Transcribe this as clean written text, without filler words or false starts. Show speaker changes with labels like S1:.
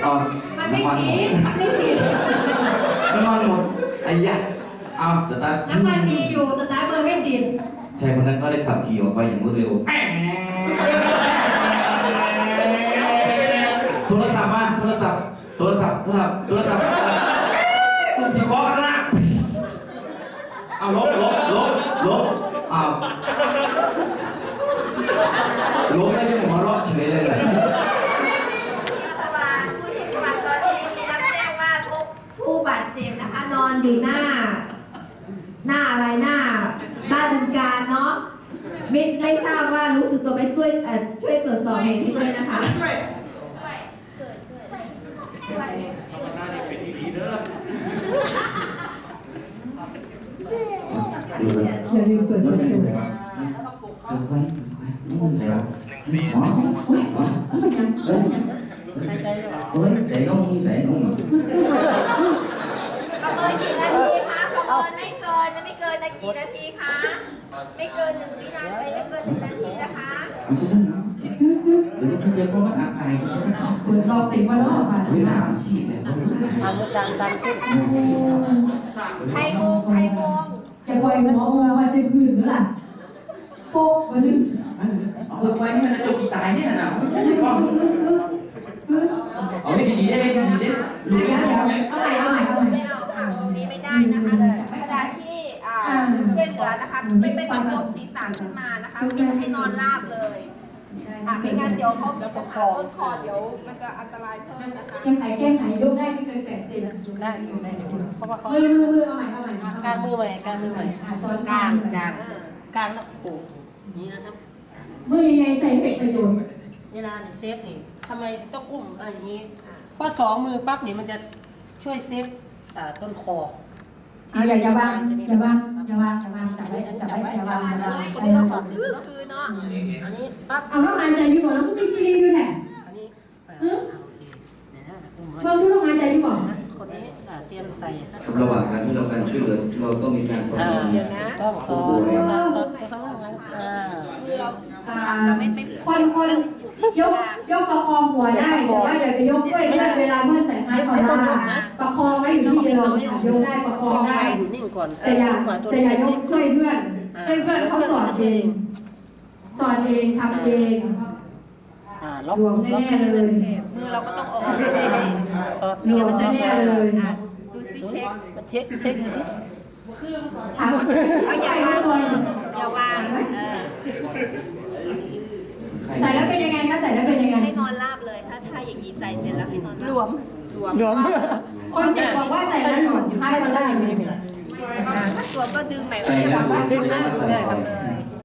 S1: มันไม่ติดมันไม่ติด
S2: น้ำมันหมดไอ้ยะเอาสตาร์ท
S1: น้ำมันมีอยู่สตาร์ทมันไม่ติด
S2: ชายคนนั้นเขาได้ขับขี่ออกไปอย่างรวดเร็วโทรศัพท์มาโทรศัพท์มันสิบอกกันนะเอาลบเอาลบไม่ได้หัวเราะเฉยเลย
S3: สว่างผู้ชีพสว่างตอนนี้มีรับแจ้งว่าผู้บาดเจ็บนะคะนอนอยู่หน้าอะไรหน้าบึงการเนาะไม่ทราบว่ารู้สึกตัวไหมช่วยตรวจสอบเหตุนี้ด้วยนะคะ
S1: อย่าลืมเปิดกระจก
S2: ค่อยๆไหนวะหมอใจน้อง
S3: ประเมินกี่นาทีคะประเมินไม่เกินนะกี่นาทีคะไม่เกิน1 วินาทีไม่เกิน1 นาทีนะคะ
S2: เดี๋ยวเขาจะเขามันอาบไก่กันนะ
S1: เปิดรอบปิดว่ารอบอ่ะ
S2: เวลาฉีดเนี่ย
S4: ทำการขึ้น
S3: ไทยโมง
S1: จะปล่อยหมอมาจะคืนหรือล่ะโป๊กมาดึง
S2: ไฟนี่มันจะจบกี่ตายเนี่ยนะเอาให้ดีๆได้
S1: เอาใหม่
S3: ไม่เอาค่ะตรงนี้ไม่ได้นะคะเวลาที่ช่วยเหลือนะคะไม่ต้องยกศีรษะขึ้นมานะคะปิดให้นอนราบเลยไม่งั้นเดี๋ยวเขามีปัญหาต้นคอเดี๋ยวมันจะอันตรายเพิ่มนะคะ
S1: แก้ไขยกได้ไม่เกิน80
S4: ได้เพราะว่าเขา
S1: มือเอาใหม่
S4: กลางมือใหม่
S1: ซ้อน
S4: กลางแล้วโอ้นี่นะครับ
S1: มือยังไงใส่เป็ดประโยชน์
S4: เวลาเนี่ยเซฟนี่ทำไมต้องอุ้มอะไรอย่างนี้เพราะ2 มือปั๊บนี่มันจะช่วยเซฟต้นคอ
S1: อย่าวางจับไว้อย่าวาง
S3: คนนี้เราขอชื่อคือเนาะ
S4: อันนี้ปั๊บ
S1: เอาน้องหายใจอยู่บ่แล้วก็มีซีรีส์อยู่แหละ
S4: อันนี้
S1: เบิ่งดูน้องหายใจอยู่บ่
S4: คนนี้เตรียมใส่
S2: ระหว่างการที่เราการช่วยเหลือเราต้องมีการประเมิน
S4: ต้องสอนไปข้างล่างนั้น
S1: คนยกประคองหัวได้แต่ว่าอย่าไปยกช่วยเพื่อนเวลาเพื่อนใส่ไม้คอลาประคองไว้อยู่ที่เดิมยกได้ประคองได้
S4: อยู่นิ่งก่อน
S1: แต่อย่ายกช่วยเพื่อนให้เพื่อนเขาสอนเองทำเองรวมแน่เลย
S3: มือเราก็ต้องออกได้เลยสิ
S1: รวมแน่เลย
S3: ดูซิเช็ค
S4: เช็คดูสิ
S3: เอาอย่าวาง
S1: ใส่แล้วเป็นยังไงคะใส่แล้วเป็นยังไง
S3: ให้นอนราบเลยถ้าอย่างนี้ใส่เสร็จแล้วให้นอนราบ
S1: รวมคนเจ็บบอกว่าใส่แล้วหนอนอยู่ให้มาได้ไหม
S3: ถ้าตัวก็ดึงใหม่ก็จะวางไว้ข้างหน้าเลย